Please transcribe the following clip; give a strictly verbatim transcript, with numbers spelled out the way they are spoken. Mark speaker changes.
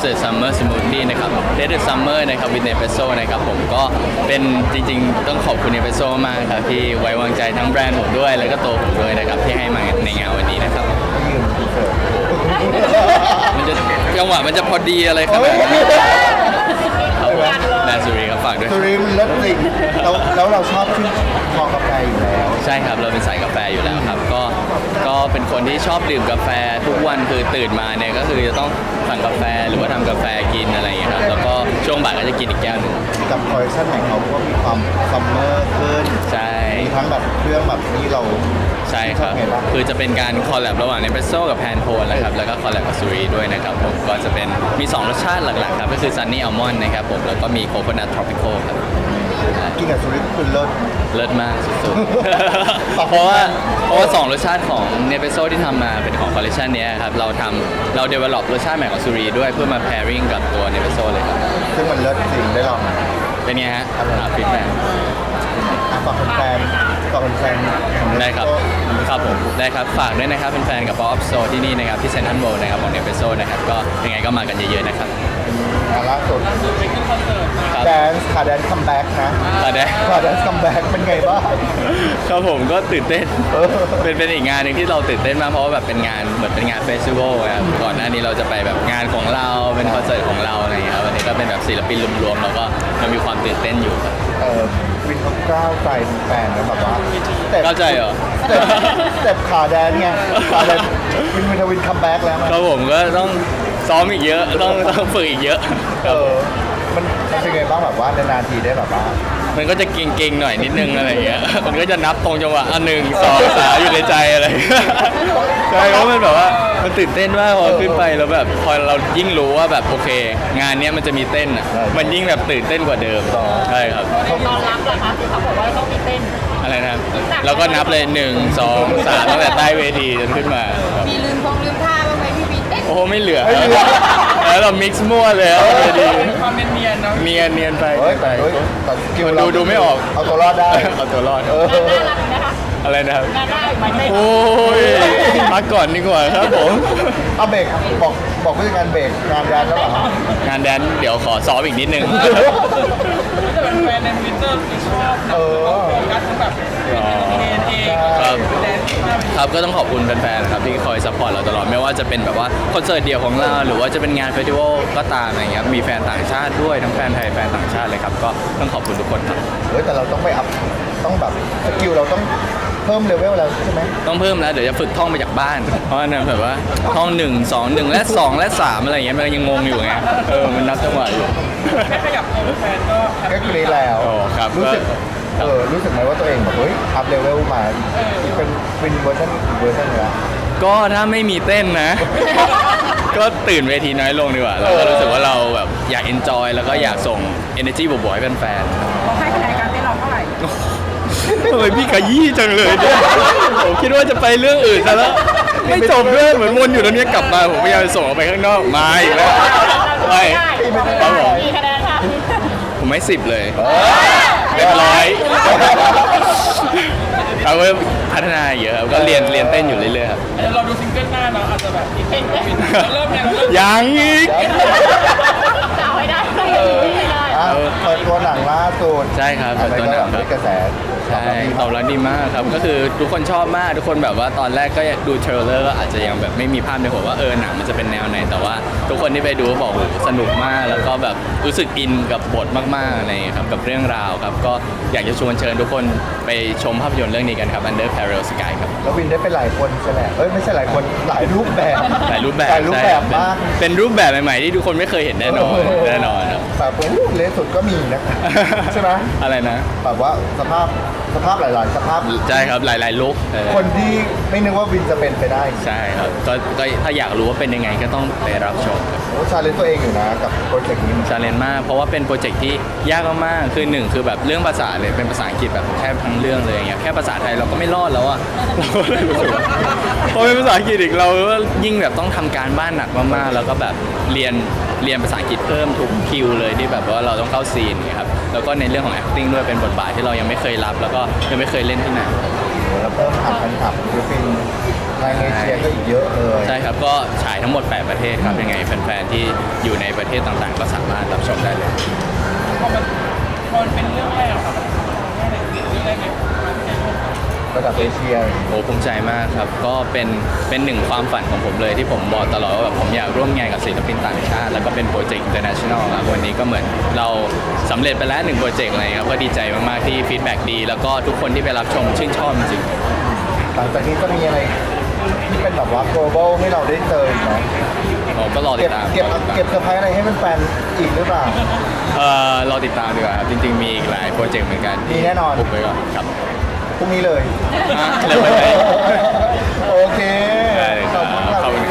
Speaker 1: Desert Summer Smoothie นะครับ Desert Summer นะครับ with Nespresso นะครับผมก็เป็นจริงๆต้องขอบคุณ Nespresso มากครับที่ไว้วางใจทั้งแบรนด์ผมด้วยแล้วก็ตัวผมด้วยนะครับที่ให้มาในงานวันนี้นะครับมันจะจังหวะมันจะพอดีอะไรขนาดนั้นแบรนด์สุรีครับฝากด้วย
Speaker 2: สุรินทร์เลิศจริงแล้วแล้วเราชอบชื่นคอกาแฟอยู่แล้ว
Speaker 1: ใช่ครับเราเป็นสายกาแฟอยู่แล้วครับก็ก็เป็นคนที่ชอบดื่มกาแฟทุกวันคือตื่นมาเนี่ยก็คือจะต้องสั่งกาแฟหรือว่าทำกาแฟกินอะไรอย่างเงี้ยครับแล้วก็ช่วงบ่ายก็จะกินอีกแก้วหนึ่ง
Speaker 2: กับคอลเลคชันของเขาก็มีความซัมเมอร์ขึ้น
Speaker 1: ใช่
Speaker 2: มีทั้งแบบเครื่องแบบนี้เรา
Speaker 1: ใช่ครับ
Speaker 2: ชอบไงบ้าง
Speaker 1: คือจะเป็นการคอลแลบระหว่างเนสเปรสโซ่กับแพนโทนนะครับแล้วก็คอลแลบกับซูรีด้วยนะครับผมก็จะเป็นมีสองรสชาติหลักๆครับก็คือซันนี่อัลมอนด์นะครับผมแล้วก็มีโคโคนัททรอปิคอลครับ
Speaker 2: กินกับสุรินทร์คือเลิศ
Speaker 1: เลิศมากสุดๆ เพราะว่าเพราะว่าสองรสชาติของเนสเปรสโซ่ที่ทำมาเป็นของคอลเลคชันนี้ครับเราทำเราเดเวล็อปรสชาติใหม่ของซูรีด้วยเพื่อมา pairing กับตัวเนสเปรสโซ่เลยครับ
Speaker 2: ซึ่งมันเลิศจริงได้ลอง
Speaker 1: เป็นไงฮะฟีดแบ็ก
Speaker 2: อ่ะฝากแฟนๆฝากแฟนๆของ
Speaker 1: ได้ครับ
Speaker 2: Nespresso
Speaker 1: ครับผมได้ครับฝากด้วยนะครับเป็นแฟนกับ Pop Up Store ที่นี่นะครับที่เซ็นทรัลเวิลด์นะครับของเนสเปรสโซ่นะครับก็ยังไงก็มากันเยอะๆนะครับ
Speaker 2: อ่ะล่าสุด
Speaker 1: ครับ
Speaker 2: แดนซ์ค่ะแดนซ์คัมแบ็กนะ
Speaker 1: ตอนนี้
Speaker 2: ค่ะแดนซ์คัมแบ็กเป็นไงบ้าง
Speaker 1: ครับผมก็ตื่นเต้น
Speaker 2: เออ
Speaker 1: เป็นเป็นอีกงานหนึ่งที่เราตื่นเต้นมากเพราะว่าแบบเป็นงานเหมือนเป็นงานเฟสติวัลครับก่อนหน้านี้เราจะไปแบบงานของเราเป็นคอนเสิร์ตของเราอะไรอย่างเงี้ยครับวันนี้ก็เป็นแบบศิลปินรวมๆแล้วก็มันมีความตื่นเต้นอยู่ครับ
Speaker 2: เออวินเขากล้าวใจแฟนนะแบบว่าแต่
Speaker 1: เข้าใจเหรอ
Speaker 2: แต่แต่ขาแดนไงขาแดนวินวินทวินคัมแบ็กแล้วมั้ย
Speaker 1: ครับผมก็ต้องซ้อมอีกเยอะต้องต้องฝึกอีกเยอะ
Speaker 2: เออมันมันเป็นไงบ้างแบบว่านานๆทีได้แบบว่า
Speaker 1: มันก็จะเก่งๆหน่อยนิดนึงอะไรอย่างเงี้ยมันก็จะนับตรงจังหวะอันหนึ่งสองสามอยู่ในใจอะไรใช่เพราะมันแบบว่ามันตื่นเต้นมากพอขึ้นไปแล้วแบบพอเรายิ่งรู้ว่าแบบโอเค งานเนี้ยมันจะมีเต้นอ่ะมันยิ่งแบบตื่นเต้นกว่าเดิมใช่ครับ
Speaker 3: ตอนรับล่ะคะที่เขาบอกว่าต้องมีเต้น
Speaker 1: อะไรนะครับเราก็นับเลยหนึ่งสองสามตั้งแต่ใต้เวทีจนขึ้นมาครับ
Speaker 3: มีลืมพงลืมท่าบ้างไหมพี่บีเต้น
Speaker 1: โอ้โหไม่เหลือแล้วเรามิกซ์มั่วเลยครับเวที
Speaker 3: ความเนียนๆเนาะ
Speaker 1: เนียนเนียนไป
Speaker 2: เฮ้ยแต่เฮ้ยแต่สกิล
Speaker 1: มัน
Speaker 2: เรา
Speaker 1: ดูดูไม่ออก
Speaker 2: เอาตัวรอดได้
Speaker 1: เอาตัวรอด
Speaker 2: เออ
Speaker 3: น่ารักนะคะ
Speaker 1: อะไรนะครับ
Speaker 3: น่าได้ไหมเต้น
Speaker 1: โอ้ยพักก่อนดีกว่าครับผม
Speaker 2: เอาเบรกบอกบอกผู้จัดการเบรกงานแดนแล้วเหรอ
Speaker 1: งานแดนเดี๋ยวขอซ้อมอีกนิดนึง
Speaker 3: แต่เป็นแฟนในทวิตเตอร์ชอบ
Speaker 2: เออ
Speaker 3: การแบบ
Speaker 1: อ๋อ
Speaker 3: เองเอง
Speaker 1: ครับ
Speaker 3: แดน
Speaker 1: ครับก็ต้องขอบคุณแฟนๆครับที่คอยซัพพอร์ตเราตลอดไม่ว่าจะเป็นแบบว่าคอนเสิร์ตเดี่ยวของเราหรือว่าจะเป็นงานเฟสติวัลก็ตามอะไรเงี้ยมีแฟนต่างชาติด้วยทั้งแฟนไทยแฟนต่างชาติเลยครับก็ต้องขอบคุณทุกคนครับ
Speaker 2: เฮ้ยแต่เราต้องไปอัพต้องแบบสกิลเราต้องเพิ่มเลเวลแล้วใช่ไหม
Speaker 1: ต้องเพิ่มแล้วเดี๋ยวจะฝึกท่องมาจากบ้าน เพราะว่าเนี่ยแบบว่าท่องหนึ่งสองหนึ่งและสองและสามอะไรเงี้ยมันยังงงอยู่ไงเออมันนับจังหวะอยู่
Speaker 3: แค่ขยับตัวแฟนก็
Speaker 2: ก็กรีดแล้ว
Speaker 1: โอ้ครับ
Speaker 2: รู้สึก
Speaker 1: ก็
Speaker 2: เออรู้สึกไหมว่าตัวเองแบบเฮ้ยอัพเลเวลมาเป็นเป็นเวอร์ชันอีกเวอร์ชันหนึงแล้ว
Speaker 1: ก็ถ้าไม่มีเต้นนะ ก็ตื่นเวทีน้อยลงดีกว่าแล้วก็รู้สึกว่าเราแบบอยาก enjoy แล้วก็อยากส่ง energy บวกๆให้แฟนๆ
Speaker 3: เขาให้คะแนนการเต้นเราเท่าไหร่
Speaker 1: ทำไมพี่ขยี้จังเลยเนี่ยผมคิดว่าจะไปเรื่องอื่นซะแล้ว ไม่จบเลยเหมือนวนอยู่ตรงนี้กลับมาผมพยายามจะส่งออกไปข้างนอกมาอีกแล้วไม่ครับผม
Speaker 3: กี่คะแนนคะ
Speaker 1: ผมให้สิบเลยเรียบร้อยเขาก็พัฒนาเยอะครับก็เรียนเรียนเต้นอยู่เรื่อยๆครับ
Speaker 3: เราดูซิงเกิลหน้าเนาะอาจจะแบบอีกเพลงเริ่มเนี่ยเริ่ม
Speaker 1: ยังอีก
Speaker 3: จะเอาให้ได้ต้องอย่างนี้ให้ได้
Speaker 2: อ่ะเปิดตัวหนังล่าสุด
Speaker 1: ใช่ครับ
Speaker 2: อะไร
Speaker 1: เปิดตัว
Speaker 2: ก็
Speaker 1: หนั
Speaker 2: แบ
Speaker 1: ง
Speaker 2: บ
Speaker 1: ครับ
Speaker 2: ได้กระแส
Speaker 1: ใช่ตอบรับดีมากครับก็คือทุกคนชอบมากทุกคนแบบว่าตอนแรกก็ดูเทรลเลอร์ก็อาจจะยังแบบไม่มีภาพในหัวว่าเออหนังมันจะเป็นแนวไหนแต่ว่าทุกคนที่ไปดูก็บอกโอ้โหสนุกมากแล้วก็แบบรู้สึกอินกับบทมากๆอะไรอย่างเงี้ยครับกับเรื่องราวครับก็อยากจะชวนเชิญทุกคนไปชมภาพยนตร์เรื่องนี้กันครับ Under Parallel Sky ครับ
Speaker 2: แล้ววินได้เป็นหลายคนใช่ไหมเอ้ยไม่ใช่หลายคนหลายรูปแบบ
Speaker 1: หลายรูปแบบ
Speaker 2: หลายรูปแบบ
Speaker 1: ใช่
Speaker 2: มาก
Speaker 1: เป็นเป็นรูปแบบใหม่ๆที่ทุกคนไม่เคยเห็นแน่นอนแน่นอนครับ
Speaker 2: แบบโอ้โหเลสสุดก็มีนะ ใช่ไหม
Speaker 1: อะไรนะ
Speaker 2: แบบว่าสภาพสภาพหลาย ๆ สภาพ
Speaker 1: ใช่ครับหลายๆลุค
Speaker 2: คนที่ไม่นึกว่าวินจะเป็นไปได้
Speaker 1: ใช่ครับก็ก็ถ้าอยากรู้ว่าเป็นยังไงก็ต้องไปรับชมครับ
Speaker 2: โอ้ชาเลนตัวเองอยู่นะกับโปรเจกต์นี้
Speaker 1: ชาเลนจ์มากเพราะว่าเป็นโปรเจกต์ที่ยากมากๆคือหนึ่งคือแบบเรื่องภาษาเลยเป็นภาษาอังกฤษแบบแทบทั้งเรื่องเลยอย่างเงี้ยแค่ภาษาไทยเราก็ไม่รอดแล้วอะ เราก็เลยรู้สึกว่าพอเป็นภาษาอังกฤษอีกเราก็ยิ่งแบบต้องทำการบ้านหนักมากๆแล้วก็แบบเรียนเรียนภาษาอังกฤษเพิ่มทุกคิวเลยที่แบบว่าเราต้องเข้าซีนอย่างเงี้ยครับแล้วก็ในเรื่องของ acting ด้วยเป็นบทบาทที่เรายังไม่เคยรับ แล้วก็ยังไม่เคยเล่นที่ไหน
Speaker 2: แล้วเพิ่มฐานแฟนคลับศิลปินในเอเชียก็อีกเยอะเลย
Speaker 1: ใช่ครับก็ฉายทั้งหมดแปดประเทศครับยังไงแฟนๆที่อยู่ในประเทศต่างๆ ก็สามารถรับชมได้เลย
Speaker 3: พอมันพอมันเป็นเรื่องแรกอะครับแค่ไหนเรื่องแรกเลยมาที่ได้ร่วมกัน
Speaker 2: ระดับเอเชีย
Speaker 1: โอ้ภูมิใจมากครับก็เป็นเป็นหนึ่งความฝันของผมเลยที่ผมบอกตลอดว่าแบบผมอยากร่วมงานกับศิลปินต่างชาติแล้วก็เป็นโปรเจกต์ international ครับวันนี้ก็เหมือนเราสำเร็จไปแล้วหนึ่งโปรเจกต์อะไรครับก็ดีใจมากๆที่ฟีดแบ็กดี แล้วก็ทุกคนที่ไปรับชมชื่นชอบจริง
Speaker 2: หลังจากนี้จะมีอะไรที่เป็นแบบว่า global ให้เราได้เจออีกไหม
Speaker 1: ๆผมก็รอติ
Speaker 2: เก็
Speaker 1: ด
Speaker 2: บ
Speaker 1: ตาม
Speaker 2: เก็บเก็บเซอร์ไพรส์อะไรให้แฟนๆอีกหรือเปล่า
Speaker 1: เอ่อรอติดตามดีกว่าครับจริงๆมีอีกหลายโปรเจกต์เหมือนกัน
Speaker 2: มีแน่นอน
Speaker 1: ปุบไว้ก่อนครับ
Speaker 2: พรุ่งนี้เลย
Speaker 1: อ่ะเริ่มเลย
Speaker 2: โอเค
Speaker 1: ได้เลยครับ
Speaker 2: ขอบคุณครับ
Speaker 1: ขอบคุณ